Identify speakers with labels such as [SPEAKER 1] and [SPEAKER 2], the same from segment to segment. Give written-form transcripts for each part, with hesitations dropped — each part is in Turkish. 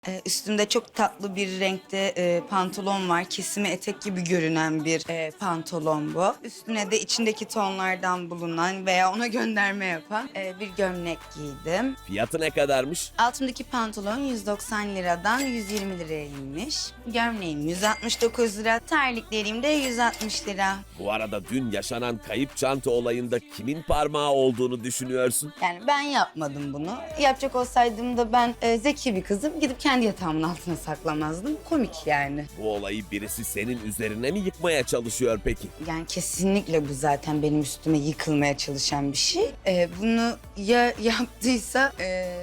[SPEAKER 1] Üstümde çok tatlı bir renkte pantolon var. Kesimi etek gibi görünen bir pantolon bu. Üstüne de içindeki tonlardan bulunan veya ona gönderme yapan bir gömlek giydim.
[SPEAKER 2] Fiyatı ne kadarmış?
[SPEAKER 1] Altımdaki pantolon 190 liradan 120 liraya inmiş. Gömleğim 169 lira, terliklerim de 160 lira.
[SPEAKER 2] Bu arada dün yaşanan kayıp çanta olayında kimin parmağı olduğunu düşünüyorsun?
[SPEAKER 1] Yani ben yapmadım bunu. Yapacak olsaydım da ben zeki bir kızım. Gidip kendi yatağımın altına saklamazdım. Komik yani.
[SPEAKER 2] Bu olayı birisi senin üzerine mi yıkmaya çalışıyor peki?
[SPEAKER 1] Yani kesinlikle bu zaten benim üstüme yıkılmaya çalışan bir şey. Bunu ya yaptıysa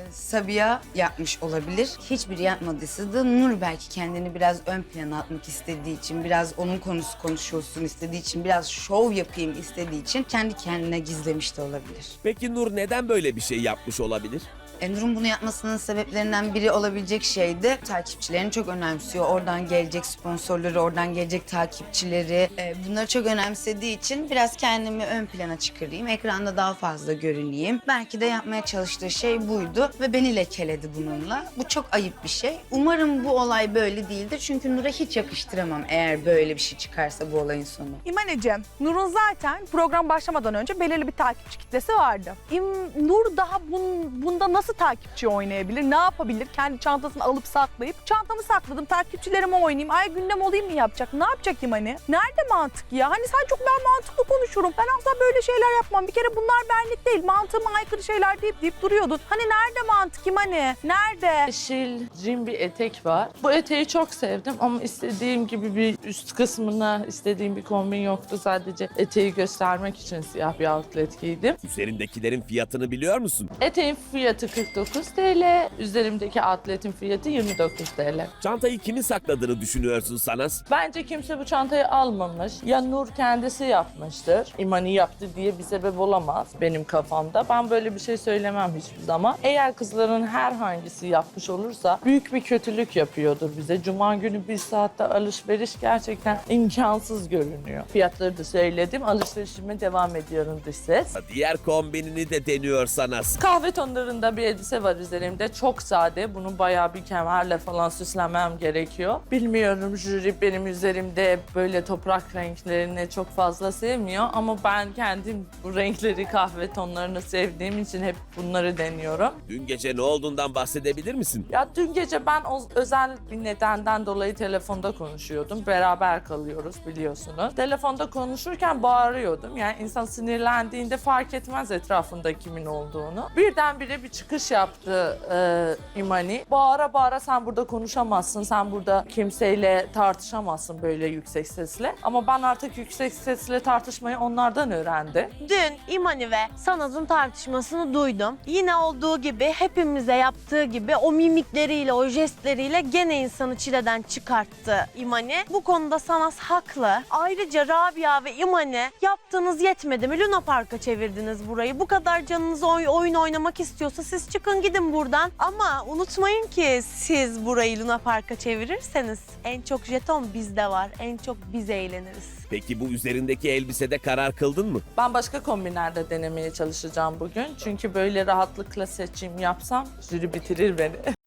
[SPEAKER 1] Sabiha yapmış olabilir. Hiçbiri yapmadıysa da Nur belki kendini biraz ön plana atmak istediği için, biraz onun konusu konuşulsun istediği için, biraz şov yapayım istediği için kendi kendine gizlemiş de olabilir.
[SPEAKER 2] Peki Nur neden böyle bir şey yapmış olabilir?
[SPEAKER 1] Nur'un bunu yapmasının sebeplerinden biri olabilecek şey de takipçilerini çok önemsiyor. Oradan gelecek sponsorları, oradan gelecek takipçileri. Bunları çok önemsediği için biraz kendimi ön plana çıkarayım. Ekranda daha fazla görüneyim. Belki de yapmaya çalıştığı şey buydu ve beni lekeledi bununla. Bu çok ayıp bir şey. Umarım bu olay böyle değildir. Çünkü Nur'a hiç yakıştıramam eğer böyle bir şey çıkarsa bu olayın sonu.
[SPEAKER 3] İmaneciğim, Nur'un zaten program başlamadan önce belirli bir takipçi kitlesi vardı. Nur daha bunda nasıl takipçi oynayabilir, ne yapabilir? Kendi çantasını alıp saklayıp, çantamı sakladım, takipçilerime oynayayım, ay gündem olayım mı yapacak? Ne yapacak İmani? Nerede mantık ya? Hani sen çok ben mantıklı konuşurum. Ben asla böyle şeyler yapmam. Bir kere bunlar benlik değil. Mantığıma aykırı şeyler deyip duruyordun. Hani nerede mantık İmani? Nerede?
[SPEAKER 4] Yeşil cin bir etek var. Bu eteği çok sevdim ama istediğim gibi bir üst kısmına istediğim bir kombin yoktu. Sadece eteği göstermek için siyah bir outlet giydim.
[SPEAKER 2] Üzerindekilerin fiyatını biliyor musun?
[SPEAKER 4] Eteğin fiyatı 49 TL, üzerimdeki outlet'in fiyatı 29 TL.
[SPEAKER 2] Çantayı kimin sakladığını düşünüyorsun Sanas?
[SPEAKER 4] Bence kimse bu çantayı almamış. Ya Nur kendisi yapmıştır. İmani yaptı diye bir sebep olamaz benim kafamda. Ben böyle bir şey söylemem hiçbir zaman. Eğer kızların herhangisi yapmış olursa büyük bir kötülük yapıyordur bize. Cuma günü bir saatte alışveriş gerçekten imkansız görünüyor. Fiyatları da söyledim. Alışverişime devam ediyorum dış ses.
[SPEAKER 2] Diğer kombinini de deniyor Sanas.
[SPEAKER 4] Kahve tonlarında bir elbise var üzerimde. Çok sade. Bunu bayağı bir kemerle falan süslemem gerekiyor. Bilmiyorum, jüri benim üzerimde böyle toprak renklerini çok fazla sevmiyor. Ama ben kendim bu renkleri, kahve tonlarını sevdiğim için hep bunları deniyorum.
[SPEAKER 2] Dün gece ne olduğundan bahsedebilir misin?
[SPEAKER 4] Ya dün gece ben özel bir nedenden dolayı telefonda konuşuyordum. Beraber kalıyoruz biliyorsunuz. Telefonda konuşurken bağırıyordum. Yani insan sinirlendiğinde fark etmez etrafında kimin olduğunu. Birdenbire bir çıkış yaptı İmani. Bağıra bağıra sen burada konuşamazsın, sen burada kimseyle tartışamazsın böyle yüksek sesle. Ama ben artık yüksek sesle tartışmayı onlardan öğrendim.
[SPEAKER 5] Dün İmani ve Sanaz'ın tartışmasını duydum. Yine olduğu gibi hepimize yaptığı gibi o mimikleriyle, o jestleriyle gene insanı çileden çıkarttı İmani. Bu konuda Sanaz haklı. Ayrıca Rabia ve İmani yaptığınız yetmedi mi? Luna Park'a çevirdiniz burayı. Bu kadar canınız oyun oynamak istiyorsa siz çıkın gidin buradan. Ama unutmayın ki siz burayı Luna Park'a çevirirseniz en çok jeton bizde var. En çok biz eğleniriz.
[SPEAKER 2] Peki bu üzerindeki elbisede karar kıldın mı?
[SPEAKER 4] Ben başka kombinlerde denemeye çalışacağım bugün. Çünkü böyle rahatlıkla seçim yapsam jüri bitirir beni.